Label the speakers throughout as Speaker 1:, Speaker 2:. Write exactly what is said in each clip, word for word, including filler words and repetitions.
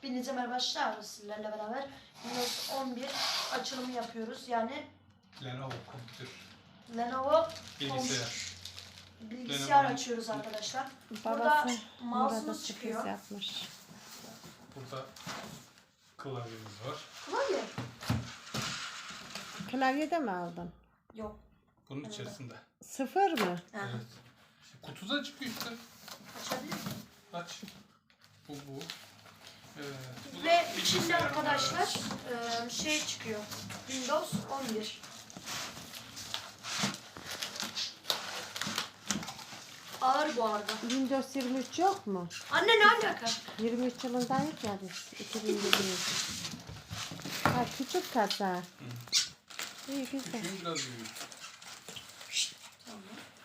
Speaker 1: Hepinize merhaba arkadaşlar. Sizlerle beraber Windows on bir açılımı yapıyoruz. Yani
Speaker 2: Lenovo kompütür.
Speaker 1: Lenovo
Speaker 2: Bilgisayar.
Speaker 1: bilgisayar
Speaker 2: Lenovo'nun
Speaker 1: açıyoruz arkadaşlar.
Speaker 3: Babası
Speaker 1: Burada
Speaker 3: Murat'a
Speaker 1: mouse'umuz
Speaker 3: sürpriz
Speaker 1: çıkıyor.
Speaker 3: yapmış.
Speaker 2: Burada klavyemiz var.
Speaker 1: Klavye?
Speaker 3: Klavye de mi aldın?
Speaker 1: Yok.
Speaker 2: Bunun
Speaker 1: Evet.
Speaker 2: içerisinde.
Speaker 3: Sıfır mı?
Speaker 1: Ha.
Speaker 2: Evet. İşte kutuda çıkıyor işte.
Speaker 1: Açabilir miyim?
Speaker 2: Aç. Bu bu. Evet. Bu da
Speaker 1: Ve içinde
Speaker 2: bilgisayar
Speaker 1: arkadaşlar
Speaker 2: var.
Speaker 1: e, şey çıkıyor. Windows on bir. Ağır bu arada.
Speaker 3: Windows yirmi üç yok mu?
Speaker 1: Anne ne alaka?
Speaker 3: yirmi üç yılındayız ya biz. iki bin yirmi üç. Ha, küçük kasa. İyi güzel.
Speaker 2: Küçüğün biraz büyük.
Speaker 1: Tamam.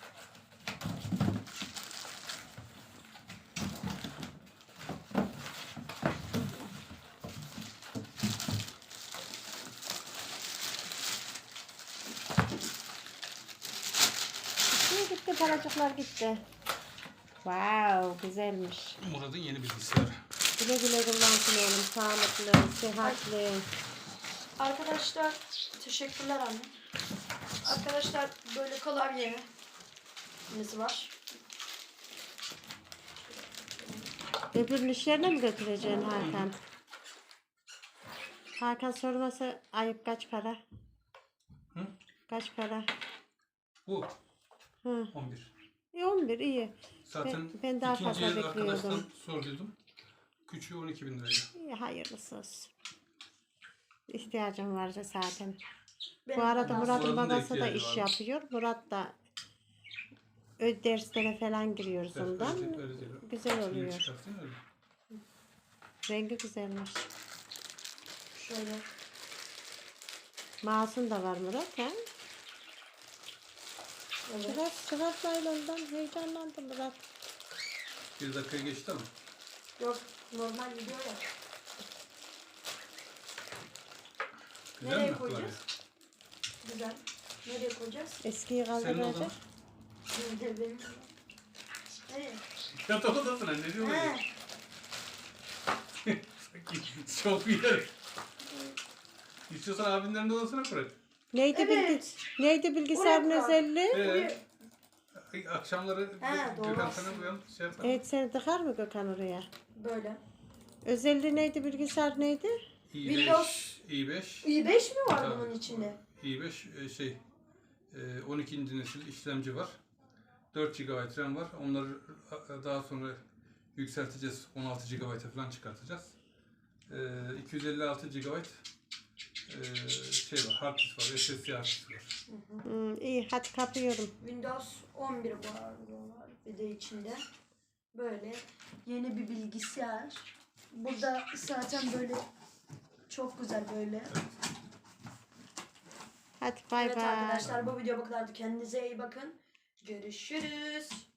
Speaker 3: İyi gitti, paracıklar gitti. Wow, güzelmiş.
Speaker 2: Murat'ın yeni bilgisayarı.
Speaker 3: Güle güle kullansın oğlum. Sağlıklı, sıhhatli.
Speaker 1: Arkadaşlar teşekkürler anne. Arkadaşlar böyle klavyemiz var.
Speaker 3: Öbürünün iş yerine mi götüreceksin Hakan? Hakan sorması ayıp, kaç para?
Speaker 2: Hı?
Speaker 3: Kaç para?
Speaker 2: Bu.
Speaker 3: Hı.
Speaker 2: on bir.
Speaker 3: E, on bir iyi.
Speaker 2: Zaten
Speaker 3: Ben- ben daha
Speaker 2: ikinci
Speaker 3: fazla
Speaker 2: el
Speaker 3: bekliyordum.
Speaker 2: arkadaştan sorduydum. Küçüğü on iki bin liraydı.
Speaker 3: İyi, hayırlısı olsun. İhtiyacım vardı zaten.
Speaker 1: Benim
Speaker 3: Bu arada
Speaker 1: de
Speaker 3: Murat'ın
Speaker 2: Murat'ın da
Speaker 3: babası da
Speaker 2: ihtiyacı
Speaker 3: iş
Speaker 2: varmış.
Speaker 3: yapıyor. Murat da ö derslere falan giriyoruz
Speaker 2: Evet,
Speaker 3: ondan.
Speaker 2: öyle değil, öyle değil.
Speaker 3: Güzel
Speaker 2: Şimdi
Speaker 3: oluyor.
Speaker 2: çıkartayım öyle.
Speaker 3: Rengi güzelmiş.
Speaker 1: şöyle.
Speaker 3: Mouse'un da var Murat, ha?
Speaker 1: Evet.
Speaker 3: Biraz çıkart naylondan, heyecanlandım Murat.
Speaker 2: Bir dakika geçti ama.
Speaker 1: Yok normal gidiyor ya.
Speaker 2: Güzel
Speaker 1: Nereye
Speaker 2: mi
Speaker 1: koyacağız?
Speaker 2: klavye?
Speaker 1: Güzel. Nereye koyacağız?
Speaker 3: Eskiyi
Speaker 2: Senin
Speaker 3: kaldıracak.
Speaker 2: odan.
Speaker 1: Nerede benim? Nereye?
Speaker 2: Yatak odasına ne diyor
Speaker 1: He.
Speaker 2: öyle? Çok iyi yer. İstiyorsan abinlerin de odasına koy.
Speaker 3: Neydi,
Speaker 1: Evet.
Speaker 3: bilgi neydi bilgisayarın
Speaker 1: Oraya bak.
Speaker 3: özelliği?
Speaker 2: Ee, akşamları
Speaker 1: He, doğru
Speaker 2: Gökhan
Speaker 1: aslında.
Speaker 2: sana uyan şey yapar.
Speaker 3: Evet, seni tıkar mı Gökhan oraya?
Speaker 1: Böyle.
Speaker 3: Özelliği neydi, bilgisayar neydi?
Speaker 2: i
Speaker 1: Windows.
Speaker 2: beş, i beş,
Speaker 1: i beş mi var
Speaker 2: Tabii.
Speaker 1: bunun içinde?
Speaker 2: i beş e, şey e, on ikinci nesil işlemci var. dört gigabayt RAM var. Onları e, daha sonra yükselteceğiz. on altı gigabayt'a falan çıkartacağız. E, iki yüz elli altı gigabayt e, şey var, hard disk var, S S D hard disk var.
Speaker 3: Hmm, iyi, hadi kapıyorum.
Speaker 1: Windows on bir bu arada var. Bir de içinde. Böyle yeni bir bilgisayar. Burada zaten böyle çok güzel böyle.
Speaker 3: Hadi bay
Speaker 1: Evet
Speaker 3: bay.
Speaker 1: arkadaşlar bu video bu kadardı. Kendinize iyi bakın. Görüşürüz.